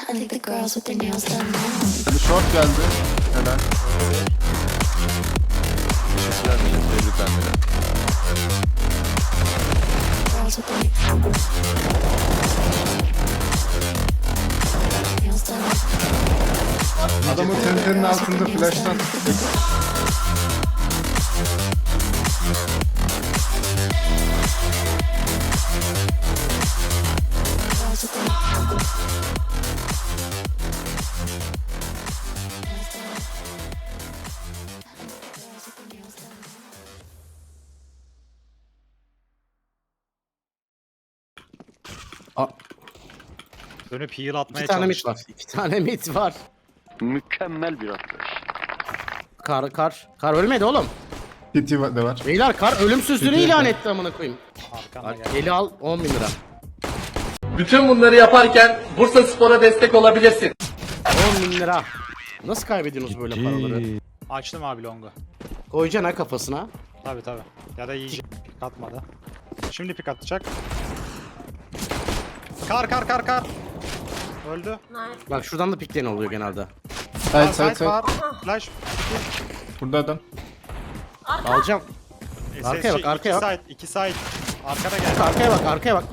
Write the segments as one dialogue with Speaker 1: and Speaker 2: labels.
Speaker 1: think the girls with their nails done now.
Speaker 2: Bir short geldi. Helal.
Speaker 3: Teşekkürler millet. Tebrikler millet.
Speaker 1: Girls with their nails done.
Speaker 2: Adamın tentenin altında flash'tan.
Speaker 1: Girls with their nails done.
Speaker 4: Dönüp heal atmaya
Speaker 5: İki tane mit
Speaker 4: çalıştım.
Speaker 5: var. 2 tane mit var.
Speaker 6: Mükemmel bir atlayış.
Speaker 5: Kar ölmedi oğlum.
Speaker 2: TT de var.
Speaker 5: Beyler kar ölümsüzlüğünü
Speaker 2: Peki.
Speaker 5: ilan etti amına koyayım.
Speaker 4: Arkana
Speaker 5: Bak,
Speaker 4: gel.
Speaker 5: eli al 10 bin lira.
Speaker 7: Bütün bunları yaparken Bursa Spor'a destek olabilirsin.
Speaker 5: 10 bin lira. Nasıl kaybediyorsunuz böyle paraları?
Speaker 4: Açtım abi longu.
Speaker 5: Koyacaksın ha kafasına.
Speaker 4: Tabi tabi. Ya da yiyecek. Pik atmadı. Şimdi pik atacak. Kar. Öldü.
Speaker 5: Bak şuradan da pikleyen oluyor genelde.
Speaker 2: Side side
Speaker 4: var.
Speaker 2: side.
Speaker 4: Flash.
Speaker 2: Burada adam.
Speaker 5: Alacağım. Arkaya bak, arkaya bak.
Speaker 4: 2 side. Arkada gel.
Speaker 5: Arkaya bak.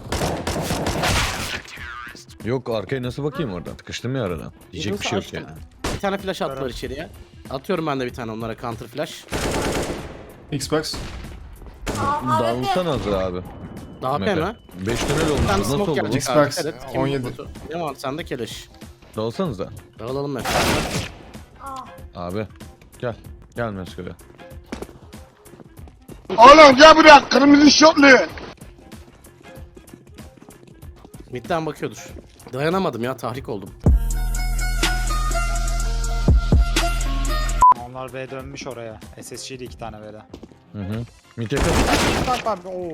Speaker 3: Yok arkaya nasıl bakayım oradan? Tıkıştım ya aradan. Diyecek bir şey yok yani.
Speaker 5: Bir tane flash attılar içeriye. Atıyorum ben de bir tane onlara counter flash.
Speaker 2: Xbox.
Speaker 3: Dağılsan az abi.
Speaker 5: Daha
Speaker 3: Mete.
Speaker 5: mi?
Speaker 3: 5 tünel
Speaker 5: Bir
Speaker 3: olmuş.
Speaker 5: tane
Speaker 3: Nasıl
Speaker 5: smoke
Speaker 3: oldu?
Speaker 5: gelecek
Speaker 2: Xbox,
Speaker 5: abi. Dikkat et. Kim
Speaker 2: 17.
Speaker 5: botu? Ne var sende keleş?
Speaker 3: Dağılsanız da.
Speaker 5: Dağılalım mesela.
Speaker 3: Abi. Gel. Gel Mesko'ya.
Speaker 8: Oğlum gel buraya kırmızı şortlu.
Speaker 5: Midden bakıyordur. Dayanamadım ya, tahrik oldum.
Speaker 4: Onlar B dönmüş oraya. SSG'de 2 tane B'de.
Speaker 3: Hı hı. Mite yakın.
Speaker 4: Bak. Oo.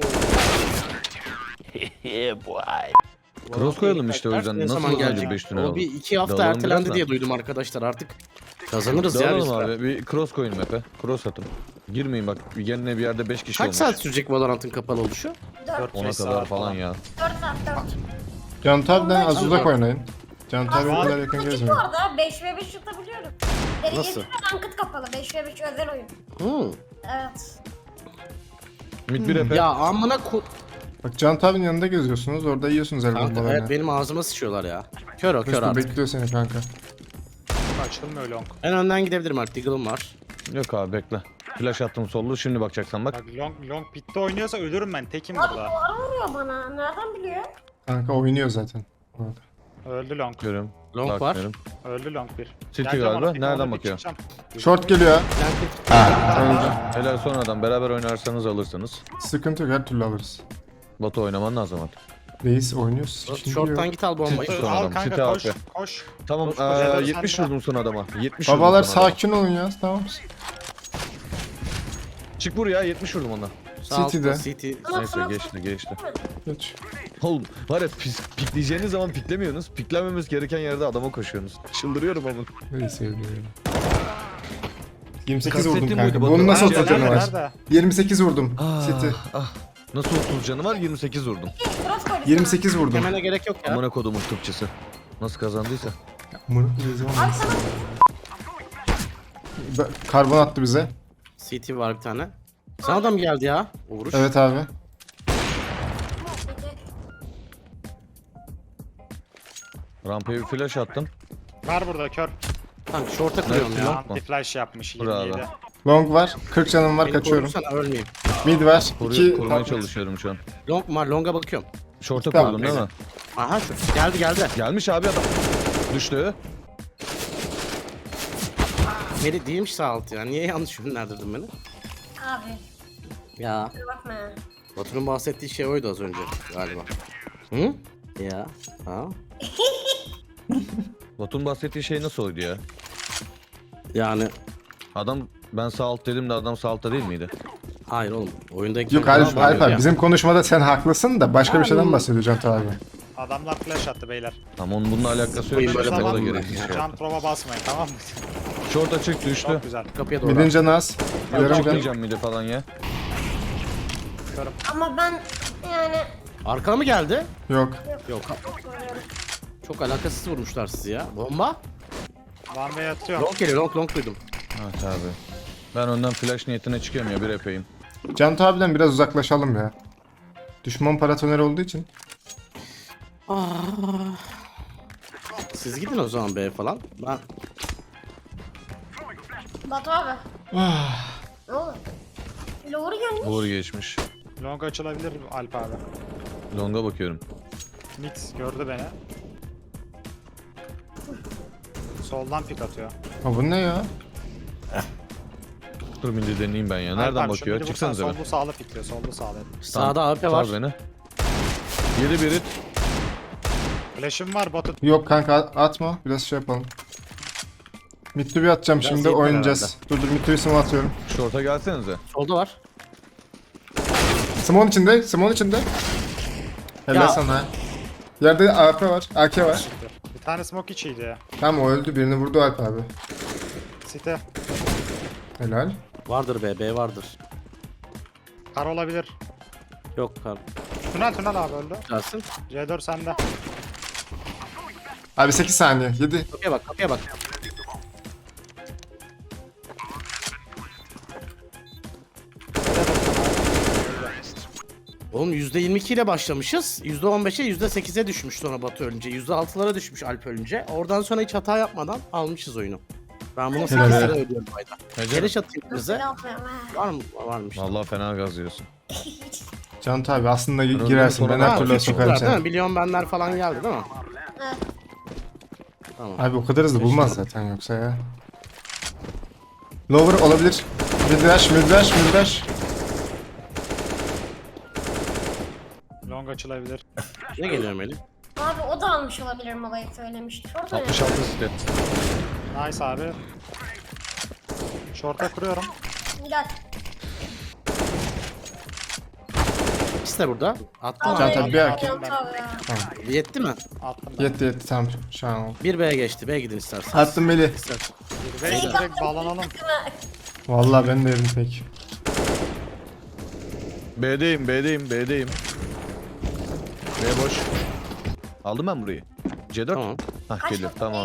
Speaker 3: Cross koyalım işte o yüzden.
Speaker 5: Ne
Speaker 3: Nasıl
Speaker 5: zaman
Speaker 3: önce
Speaker 5: gelecek?
Speaker 3: 5 tünel
Speaker 5: O
Speaker 3: oldu?
Speaker 5: bir 2 hafta
Speaker 3: Dağılalım
Speaker 5: ertelendi
Speaker 3: biraz da.
Speaker 5: diye duydum arkadaşlar, artık kazanırız ya biz.
Speaker 3: Dağılalım abi. Bir cross koyun Mete. Cross atın. Girmeyin bak. Yerine bir yerde 5 kişi
Speaker 5: Kaç
Speaker 3: olmuş.
Speaker 5: saat sürecek Valorant'ın kapalı oluşu?
Speaker 3: 10'a kadar falan ya.
Speaker 2: Can Tab'den az uzak oynayın. Can Tab'e
Speaker 4: Var.
Speaker 2: kadar yakın gezmeyin.
Speaker 9: Bu arada 5v5 tutabiliyorum.
Speaker 5: Nasıl?
Speaker 9: Ranked kapalı 5v5 özel oyun.
Speaker 5: Hı.
Speaker 9: Evet.
Speaker 3: Mid bir efe.
Speaker 5: Ya amına ko...
Speaker 2: Bak Can Tab'in yanında geziyorsunuz. Orada yiyorsunuz el
Speaker 5: Kanka
Speaker 2: bombalarını.
Speaker 5: evet, benim ağzıma sıçıyorlar ya. Kör o, kör
Speaker 2: Mesut
Speaker 5: artık.
Speaker 2: bekliyor seni kanka.
Speaker 4: Açılmıyor long.
Speaker 5: En önden gidebilirim artık, Deagle'ım var.
Speaker 3: Yok abi bekle. Flash attım sollu. Şimdi bakacaksan bak.
Speaker 4: Bak long pitte oynuyorsa ölürüm ben. Tekim
Speaker 9: Abi
Speaker 4: burada.
Speaker 9: duvara vuruyor bana. Nereden biliyor?
Speaker 2: Kanka oynuyor zaten. Bu arada.
Speaker 4: Öldü long.
Speaker 3: Görüyorum.
Speaker 5: Long var.
Speaker 3: Bakmıyorum.
Speaker 4: Öldü long bir.
Speaker 3: City
Speaker 4: Geleceğim
Speaker 3: galiba.
Speaker 4: ona, bir
Speaker 3: Nereden
Speaker 4: tane bir
Speaker 3: bakıyor?
Speaker 4: çıkacağım.
Speaker 2: Short geliyor. Öldü.
Speaker 3: Helal sonradan beraber oynarsanız alırsınız.
Speaker 2: Sıkıntı yok, her türlü alırız.
Speaker 3: Batu oynaman lazım artık.
Speaker 2: Reis oynuyoruz. ikinci
Speaker 5: Short'tan
Speaker 2: yok.
Speaker 5: git al bombayı.
Speaker 3: Son
Speaker 4: Al
Speaker 3: adam, City
Speaker 4: kanka koş.
Speaker 3: AP.
Speaker 4: Koş.
Speaker 3: Tamam
Speaker 4: Koş, koş, helal
Speaker 3: 70
Speaker 4: sen de.
Speaker 3: vurdum son adama. 70
Speaker 2: Babalar
Speaker 3: vurdum son adama.
Speaker 2: sakin olun ya, tamam.
Speaker 3: Çık buraya 70 vurdum ona.
Speaker 5: Sağ
Speaker 2: City'de.
Speaker 5: altta, City.
Speaker 3: Neyse geçti.
Speaker 2: Geç.
Speaker 3: Oğlum var ya pikleyeceğiniz zaman piklemiyorsunuz. Piklememiz gereken yerde adama koşuyorsunuz. Çıldırıyorum ama.
Speaker 2: Reis sevdim. 28
Speaker 3: Kastettiğim
Speaker 2: vurdum kanka.
Speaker 3: buydu,
Speaker 2: Bunun nasıl
Speaker 3: Batu.
Speaker 2: 30 canı var?
Speaker 4: Nerede?
Speaker 2: 28 vurdum. City.
Speaker 3: Nasıl 30 canı var? 28 vurdum.
Speaker 9: Cross koydum.
Speaker 2: 28 vurdum.
Speaker 5: Demene gerek yok ya.
Speaker 3: Amına kodumun tıpçısı. Nasıl kazandıysa.
Speaker 2: Karbon attı bize.
Speaker 5: CT var bir tane. Sana da mı geldi ya? O vuruş.
Speaker 2: Evet abi.
Speaker 3: Rampaya bir flash attım.
Speaker 4: Var burada kör.
Speaker 5: Kanka short'a kırıyorum
Speaker 3: Nerede?
Speaker 5: ya.
Speaker 3: Long mu?
Speaker 4: Anti flash yapmış
Speaker 3: Bravo.
Speaker 4: 27.
Speaker 2: Long var. 40 canım var,
Speaker 5: Beni
Speaker 2: kaçıyorum.
Speaker 5: korusana, ölmeyeyim.
Speaker 2: Mid var. 2
Speaker 3: Korumaya çalışıyorum şu an.
Speaker 5: Long var, long'a bakıyorum.
Speaker 3: Short'a
Speaker 2: Tamam,
Speaker 3: koydum değil mi?
Speaker 5: Aha şu geldi.
Speaker 3: Gelmiş abi adam. Düştü.
Speaker 5: Meri değilmiş sağ alt ya. Niye yanlış yönlendirdin beni?
Speaker 9: Abi
Speaker 5: Ya.
Speaker 9: kusura bakma ya.
Speaker 5: Batu'nun bahsettiği şey oydu az önce galiba. Hı? Ya. Ha?
Speaker 3: Batu'nun bahsettiği şey nasıl oydu ya?
Speaker 5: Yani
Speaker 3: Adam ben sağ alt dedim de adam sağ altta değil miydi?
Speaker 5: hayır oğlum. Oyundaki
Speaker 2: Yok Alp abi, bizim konuşmada sen haklısın da başka bir şeyden bahsediyor Can abi.
Speaker 4: Adamlar flash attı beyler.
Speaker 3: Ama onun bununla alakası
Speaker 5: Oyun
Speaker 3: yok.
Speaker 5: böyle
Speaker 3: işte, o da
Speaker 5: falan mı?
Speaker 3: gereksiz şey.
Speaker 4: Can prova basmayın tamam mı?
Speaker 3: Short açık düştü.
Speaker 4: Çok güzel.
Speaker 5: kapıya doğru.
Speaker 2: Midin canı az. Yarım can.
Speaker 3: Çıkmayacağım mide falan ya.
Speaker 9: Ama ben yani
Speaker 5: Arkana mı geldi?
Speaker 2: Yok.
Speaker 5: Yok.
Speaker 9: koruyorum.
Speaker 5: Çok alakasız vurmuşlar sizi ya. Bomba?
Speaker 4: One way atıyorum.
Speaker 5: Long geliyor, long duydum.
Speaker 3: Evet abi. Ben ondan flash niyetine çıkıyorum ya bir epeyim.
Speaker 2: Can abiden biraz uzaklaşalım ya. Düşman paratoneri olduğu için.
Speaker 5: Siz gidin o zaman B falan. Ben
Speaker 9: Batu abi. Ne oldu? Lower gelmiş.
Speaker 3: Uğur geçmiş.
Speaker 4: Long açılabilir Alp abi.
Speaker 3: Long'a bakıyorum.
Speaker 4: Mid gördü beni. Soldan pik atıyor.
Speaker 2: Ha bu ne ya?
Speaker 3: Dur midi deneyeyim ben ya.
Speaker 4: Alp
Speaker 3: Nereden
Speaker 4: abi, şu
Speaker 3: bakıyor?
Speaker 4: midi
Speaker 3: Çıksanıza
Speaker 4: vursan
Speaker 3: be.
Speaker 4: Sollu sağlı pikliyor. Sollu sağlı.
Speaker 5: sağda AP
Speaker 3: Sal
Speaker 5: var.
Speaker 3: beni. Yedi biri.
Speaker 4: Flash'ım var Batu.
Speaker 2: Yok kanka atma. Biraz şey yapalım. Mitsubi atacağım
Speaker 5: Biraz
Speaker 2: şimdi
Speaker 5: yeter
Speaker 2: oynayacağız. Dur Mitsubi smoke atıyorum.
Speaker 3: Short'a gelsenize.
Speaker 5: Solda var.
Speaker 2: Smoke'un içinde. Smoke'un içinde. Helal
Speaker 5: Ya.
Speaker 2: sana. Yerde AP var. AK var.
Speaker 4: Bir tane smoke içiydi ya.
Speaker 2: Tamam o öldü. Birini vurdu Alp abi.
Speaker 4: Site.
Speaker 2: Helal.
Speaker 5: Vardır B vardır.
Speaker 4: Kar olabilir.
Speaker 5: Yok kar.
Speaker 4: Tünel abi öldü.
Speaker 5: Gelsin.
Speaker 4: C4 sende.
Speaker 2: Abi 8 saniye. 7.
Speaker 5: Kapıya bak, kapıya bak. Oğlum %22 ile başlamışız. %15'e %8'e düşmüş sonra Batu ölünce. %6'lara düşmüş Alp ölünce. Oradan sonra hiç hata yapmadan almışız oyunu. Ben bunu 8
Speaker 2: Helal.
Speaker 5: lira ödüyorum ayda.
Speaker 3: Hece.
Speaker 5: Geliş atayım bize.
Speaker 9: Ne yapıyorum ha?
Speaker 5: Var mı? Varmış.
Speaker 3: Vallahi fena gaz yiyorsun.
Speaker 2: Can abi aslında
Speaker 3: öldüm
Speaker 2: girersin. Ben
Speaker 3: sonra-
Speaker 2: her
Speaker 5: Ha,
Speaker 2: türlü
Speaker 5: küçükler
Speaker 2: sokarım
Speaker 5: değil mi?
Speaker 2: seni.
Speaker 5: Milyon benler falan geldi değil mi?
Speaker 9: Evet.
Speaker 5: Tamam.
Speaker 2: Abi o kadar hızlı bulmaz zaten yoksa ya. Lower olabilir. Middash.
Speaker 4: Long açılabilir.
Speaker 5: Ne geliyor Melih?
Speaker 9: Abi o da almış olabilir molayı söylemişti. Orada ne?
Speaker 3: 66 stet.
Speaker 4: Nice abi. Short'a kuruyorum.
Speaker 9: Gel.
Speaker 5: İkisi de burada. Attım
Speaker 9: Abi,
Speaker 5: abi.
Speaker 2: tabii bir erkek.
Speaker 9: Can tabii ya.
Speaker 5: Yetti mi?
Speaker 4: Attım ben.
Speaker 2: Yetti tamam. Şu an oldu.
Speaker 5: Bir B'ye geçti. B'ye gidin isterseniz.
Speaker 2: Attım Melih.
Speaker 5: İstersen.
Speaker 4: Ve direkt bağlanalım.
Speaker 2: Vallahi ben de yerim pek.
Speaker 3: B'deyim. B boş. Aldım ben burayı. C4.
Speaker 5: Tamam.
Speaker 3: Hah geliyor tamam.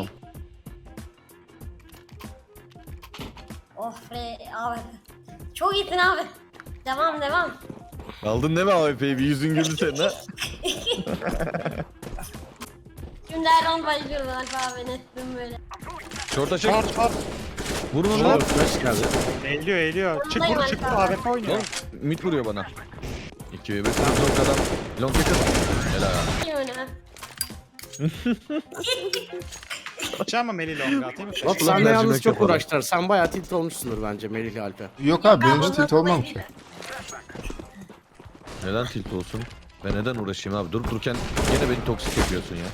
Speaker 9: Oh be abi. Çok iyisin abi. Devam.
Speaker 3: Aldın değil mi AWP'yi? Bir yüzün güldü senin ha.
Speaker 9: Şimdi her an bayılıyorum Alp abi nettim böyle.
Speaker 3: Short'a çek.
Speaker 4: Short.
Speaker 3: Vurun onu.
Speaker 5: Short flash geldi.
Speaker 4: Eğiliyor. Çık
Speaker 9: Ondayım
Speaker 4: vur
Speaker 9: Alp
Speaker 4: çık vur
Speaker 9: abi.
Speaker 4: AWP oynuyor.
Speaker 3: Lan mid vuruyor bana. 2 ve 1 long adam. Long yakın. Helal.
Speaker 9: İyi oyna.
Speaker 4: Açacağım mı Melih Long'a atayım mı?
Speaker 5: Bak
Speaker 3: Ulan
Speaker 5: sen de
Speaker 3: mercimek
Speaker 5: yalnız çok
Speaker 3: yapalım.
Speaker 5: uğraştılar. Sen bayağı tilt olmuşsundur bence Melih'le Alp'e.
Speaker 2: Yok abi birinci tilt olmam ki.
Speaker 3: Neden tilt olsun? Ben neden uğraşayım abi? Durup dururken gene beni toksik yapıyorsun ya.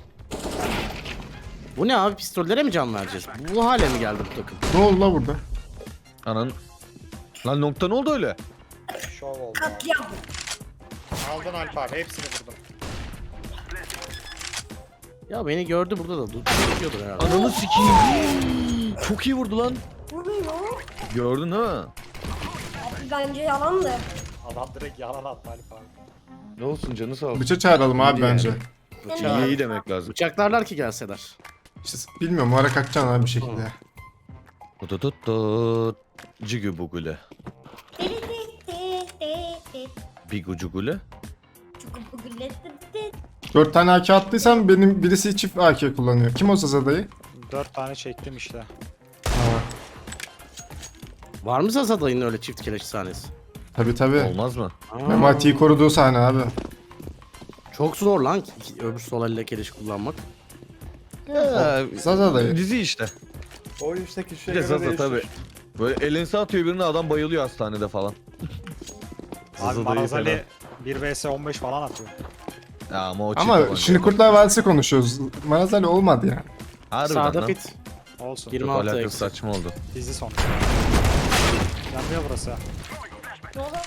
Speaker 5: Bu ne abi? Pistollere mi can vereceğiz? Bu hale mi geldi bu takım?
Speaker 2: Ne oldu la burada?
Speaker 3: Anan. Lan nokta ne oldu öyle?
Speaker 4: Şov oldu.
Speaker 9: Katliam.
Speaker 4: Aldın Alp abi hepsini vurdum.
Speaker 5: Ya beni gördü burada da. Tutuyordur herhalde.
Speaker 3: Ananı sikeyim. Çok iyi vurdu lan.
Speaker 9: Vuruyor.
Speaker 3: Gördün değil mi?
Speaker 9: Abi bence yalandı.
Speaker 4: Adam direkt yalan attı Alp abi.
Speaker 3: Ne olsun canı sağ olsun.
Speaker 2: Bıça çağıralım abi
Speaker 5: Yani.
Speaker 2: bence.
Speaker 5: Bıçağı-
Speaker 3: İyi demek lazım.
Speaker 5: Bıçaklarlar ki gelseler.
Speaker 2: İşte bilmiyorum o ara kalkacaksın abi bir şekilde.
Speaker 3: Tututut. Cigü bugule. Bigucugule.
Speaker 2: 4 tane AK attıysam benim birisi çift AK kullanıyor. Kim o Zazada'yı?
Speaker 4: 4 tane çektim işte.
Speaker 2: Ha.
Speaker 5: Var mı Zaza dayının öyle çift keleş sahnesi?
Speaker 2: Tabi.
Speaker 3: Olmaz mı?
Speaker 2: Memati'yi koruduğu sahne abi.
Speaker 5: Çok zor lan öbür sol elle keleş kullanmak.
Speaker 2: Zazada'yı.
Speaker 3: Dizi işte. Bir de Zaza tabi. Böyle elinse atıyor birine adam bayılıyor hastanede falan.
Speaker 4: Abi
Speaker 3: Zaza dayı
Speaker 4: Marazali 1 vs 15 falan atıyor.
Speaker 3: Ya ama o çift
Speaker 2: Ama
Speaker 3: tabanca.
Speaker 2: şimdi Kurtlar Vadisi konuşuyoruz. Marazali olmadı ya.
Speaker 3: Harbiden
Speaker 5: Sağda
Speaker 3: lan.
Speaker 5: fit.
Speaker 4: Olsun.
Speaker 5: 26
Speaker 3: Çok alakası
Speaker 5: eksi.
Speaker 3: saçma oldu.
Speaker 4: Dizi son. Yanmıyor burası.
Speaker 9: Ne oldu?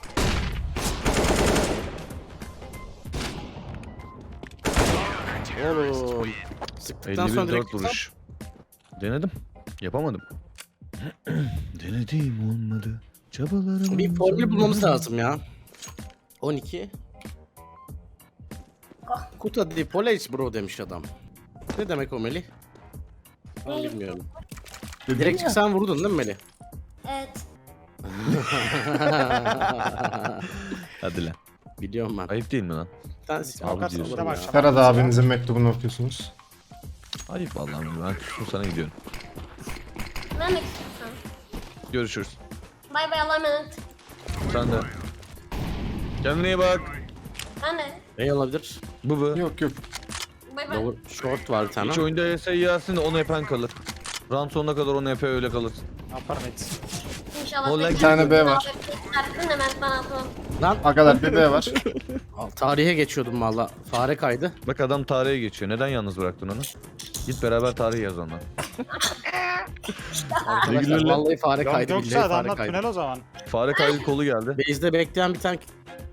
Speaker 5: Oğlum. Sıktıktan sonra
Speaker 3: 51-4
Speaker 5: direkt
Speaker 3: vuruş. Denedim. Yapamadım. Denedim olmadı. Çabalarım.
Speaker 5: bir formül bulmamız lazım ya. 12. Kuta di Police bro demiş adam. Ne demek o Melih? Ben
Speaker 9: Ne?
Speaker 5: bilmiyorum.
Speaker 2: Dedim
Speaker 5: Direkt
Speaker 2: ya.
Speaker 5: sen vurdun değil mi Melih?
Speaker 9: Evet.
Speaker 3: Hadi lan.
Speaker 5: Biliyorum ben.
Speaker 3: Ayıp değil mi lan?
Speaker 5: Ben siz
Speaker 3: Abi
Speaker 5: avukat
Speaker 3: diyorsun.
Speaker 5: alırım ya.
Speaker 2: Ferhat abinizin mektubunu okuyorsunuz.
Speaker 3: Ayıp vallahi ben küstüm sana gidiyorum.
Speaker 9: Ben de istiyorsan.
Speaker 3: Görüşürüz.
Speaker 9: Bay bay Allah'a emanet.
Speaker 3: Sen de. Kendine iyi bak.
Speaker 9: Ben de.
Speaker 5: Ne olabilir?
Speaker 3: Bu.
Speaker 2: Yok yok.
Speaker 9: Bay bay.
Speaker 5: Doğru. Short var bir tane.
Speaker 3: Hiç oyunda ES yersin de onu yapan kalır. Round sonuna kadar onu yapıyor öyle kalır.
Speaker 4: Upper mid.
Speaker 9: İnşallah.
Speaker 3: Vallahi
Speaker 2: Bir tane B var.
Speaker 9: Çıkarsın hemen bana atalım.
Speaker 5: Lan
Speaker 2: Arkadaşlar bir B var.
Speaker 5: tarihe geçiyordum valla. Fare kaydı.
Speaker 3: Bak adam tarihe geçiyor. Neden yalnız bıraktın onu? Git beraber tarih yaz onunla.
Speaker 5: Arkadaşlar vallahi fare
Speaker 4: Yok
Speaker 5: kaydı.
Speaker 4: yoksa
Speaker 5: Billahi fare
Speaker 4: adamlar
Speaker 5: kaydı.
Speaker 4: tünel o zaman.
Speaker 3: Fare kaydı kolu geldi.
Speaker 5: Base'de bekleyen bir tane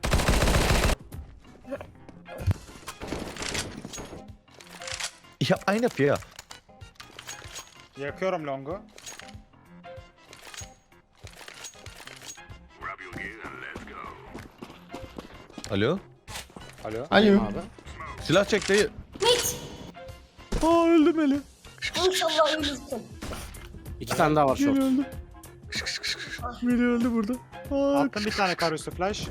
Speaker 3: Ya aynı ya.
Speaker 4: Yakıyorum longu.
Speaker 3: Alo?
Speaker 4: Alo.
Speaker 2: Alo.
Speaker 5: abi.
Speaker 3: Silah çek dayı.
Speaker 9: Mit.
Speaker 3: Aa öldüm Eli.
Speaker 9: İnşallah ölürsün.
Speaker 5: 2 tane daha var short.
Speaker 3: Beni öldü burada.
Speaker 4: Attım bir tane karüstü flash.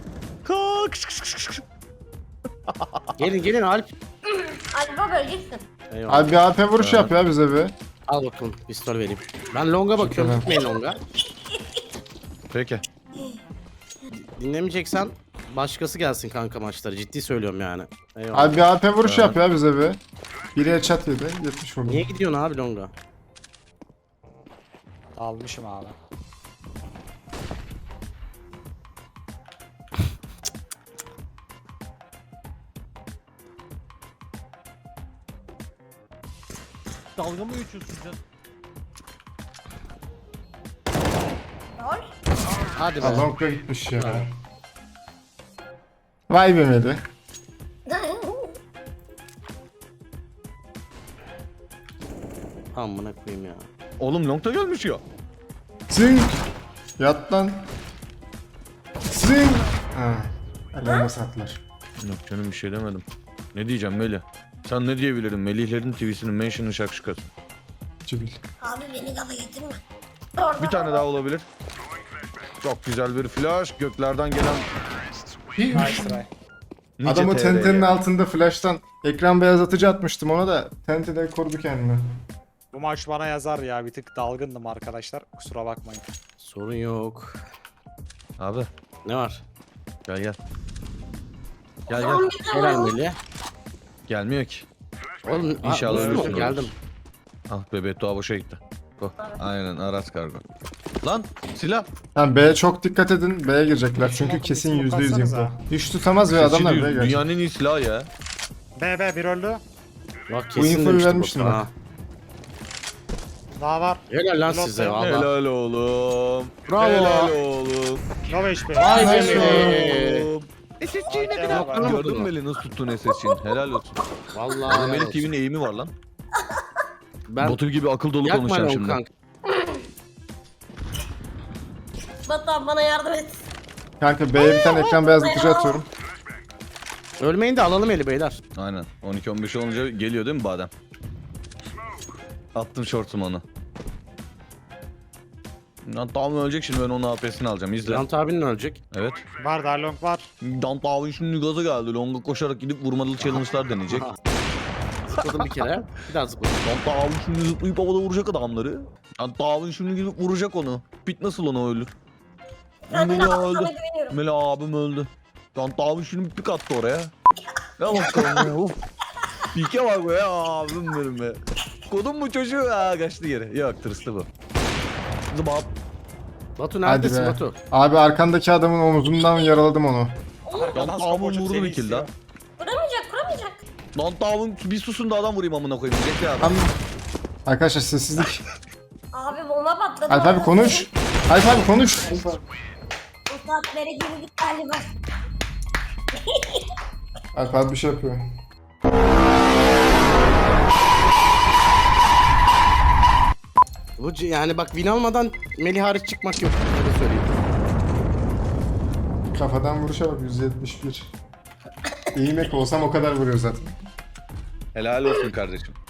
Speaker 5: Gelin Alp.
Speaker 9: Hadi baba öleceksin.
Speaker 5: Eyvallah.
Speaker 2: Abi bir AP vuruş yap ya bize bir.
Speaker 5: Al bakalım pistol vereyim. Ben longa bakıyorum
Speaker 2: Şükür.
Speaker 5: gitmeyin longa.
Speaker 3: Peki.
Speaker 5: Dinlemeyeceksen başkası gelsin kanka maçları ciddi söylüyorum yani. Eyvallah.
Speaker 2: Abi bir AP vuruş yap ya bize bir. Biri headshot yedi. 70 vurdu.
Speaker 5: Niye gidiyorsun abi longa?
Speaker 4: Almışım abi.
Speaker 10: Dalga mı geçiyorsun sen?
Speaker 9: Rol.
Speaker 5: Hadi be.
Speaker 2: Long'a gitmiş ya. Vay be Meli.
Speaker 5: Amına koyayım ya.
Speaker 3: Oğlum longta gelmiş ya.
Speaker 2: Zing. Yat lan. Zing. Ha. Ellerine sattılar.
Speaker 3: Yok canım bir şey demedim. Ne diyeceğim Melih? Sen ne diyebilirim? Melihlerin TV'sinin mention'ı şakşukası.
Speaker 2: Cibil.
Speaker 9: Abi beni gaza getirme.
Speaker 3: Bir tane daha olabilir. Çok güzel bir flash. Göklerden gelen
Speaker 4: Nice try.
Speaker 3: nice
Speaker 2: Adamı
Speaker 3: TR
Speaker 2: tentenin
Speaker 3: ya.
Speaker 2: altında flash'tan ekran beyazlatıcı atmıştım ona da tente de korudu kendini.
Speaker 4: Bu maç bana yazar ya, bir tık dalgındım arkadaşlar. Kusura bakmayın.
Speaker 5: Sorun yok.
Speaker 3: Abi
Speaker 5: Ne var?
Speaker 3: gel gel. Gel gel.
Speaker 9: Tamam bir
Speaker 5: Helal
Speaker 9: tane.
Speaker 5: Melih.
Speaker 3: Gelmiyor ki.
Speaker 5: Oğlum
Speaker 3: İnşallah
Speaker 5: vursun mu?
Speaker 3: ölürsün,
Speaker 5: Geldim.
Speaker 3: Ah be Beto boşa gitti. Oh, aynen Aras kargo. Lan silah.
Speaker 2: Yani B'ye çok dikkat edin. B'ye girecekler çünkü
Speaker 4: Smoke'un
Speaker 2: kesin
Speaker 4: bir smoke
Speaker 2: %100
Speaker 4: atsanıza.
Speaker 2: info. Hiç tutamaz ve adamlar B'ye
Speaker 3: Sesçi
Speaker 2: gelecek.
Speaker 3: dünyanın en iyi silahı ya.
Speaker 4: B bir öldü.
Speaker 5: Bak
Speaker 2: Bu
Speaker 5: kesin
Speaker 2: infoyu
Speaker 5: demiştim
Speaker 2: vermiştim
Speaker 5: bak.
Speaker 2: bak.
Speaker 5: Ha.
Speaker 4: Daha var.
Speaker 5: Helal lan
Speaker 4: Blok
Speaker 5: size
Speaker 4: yok.
Speaker 5: valla.
Speaker 3: Helal oğlum.
Speaker 5: Bravo.
Speaker 3: Helal oğlum.
Speaker 4: No HP.
Speaker 5: Vay
Speaker 2: Vay
Speaker 5: be.
Speaker 2: be.
Speaker 3: SSC'yi ne
Speaker 4: Helal
Speaker 3: kadar
Speaker 4: olsun.
Speaker 3: gördün mü Melih nasıl tuttun SSC'nin? Helal olsun.
Speaker 5: Vallahi helal
Speaker 3: Melih
Speaker 5: olsun.
Speaker 3: TV'nin eğimi var lan.
Speaker 5: Ben
Speaker 3: Batur gibi akıl dolu
Speaker 5: yakma
Speaker 3: konuşacağım
Speaker 5: long
Speaker 3: şimdi.
Speaker 5: kanka.
Speaker 9: Batuhan bana yardım et.
Speaker 2: Kanka B'ye bir tane ekran beyazlatıcı atıyorum.
Speaker 5: Ölmeyin de alalım eli beyler.
Speaker 3: Aynen. 12-15 olunca geliyor değil mi badem? Attım shortum onu. Lan tamam ölecek şimdi ben onun AP'sini alacağım izle.
Speaker 5: Grant abinin ölecek.
Speaker 3: Evet.
Speaker 4: Var daha long var.
Speaker 3: Dant abi şimdi gaza geldi. Long'a koşarak gidip vurmalı challenge'lar deneyecek.
Speaker 5: Zıpladım bir kere. Bir daha zıpladım.
Speaker 3: Dant abi şimdi zıplayıp havada vuracak adamları. Dant abi şimdi gidip vuracak onu. Pit nasıl onu ölür?
Speaker 9: Zaten
Speaker 3: Melih
Speaker 9: sana
Speaker 3: öldü.
Speaker 9: güveniyorum.
Speaker 3: Melih abim öldü. Dant abi şimdi pik attı oraya. Ya bakalım ya. Uf. Pike bak be ya abim benim be. Kodum bu çocuğu ha kaçtı geri. Yok tırstı bu. Zıbap.
Speaker 5: Batu
Speaker 2: Hadi
Speaker 5: neredesin
Speaker 2: be.
Speaker 5: Batu?
Speaker 2: Abi arkandaki adamın omuzundan yaraladım onu.
Speaker 3: Dant abim vurdu bir kill daha.
Speaker 9: Kuramayacak.
Speaker 3: Dant abim bir susun da adam vurayım amına koyayım. Bekle abi.
Speaker 2: Tam... Arkadaşlar sessizlik.
Speaker 9: Abi bomba patladı.
Speaker 2: Alp abi konuş. Alp abi konuş.
Speaker 9: Bu saatlere girdik galiba.
Speaker 2: Alp abi bir şey yapıyor.
Speaker 5: Yani bak win almadan Melih hariç çıkmak yok. Öyle söyleyeyim.
Speaker 2: Kafadan vuruşa bak 171. İyi mek olsam o kadar vuruyor zaten.
Speaker 3: Helal olsun kardeşim.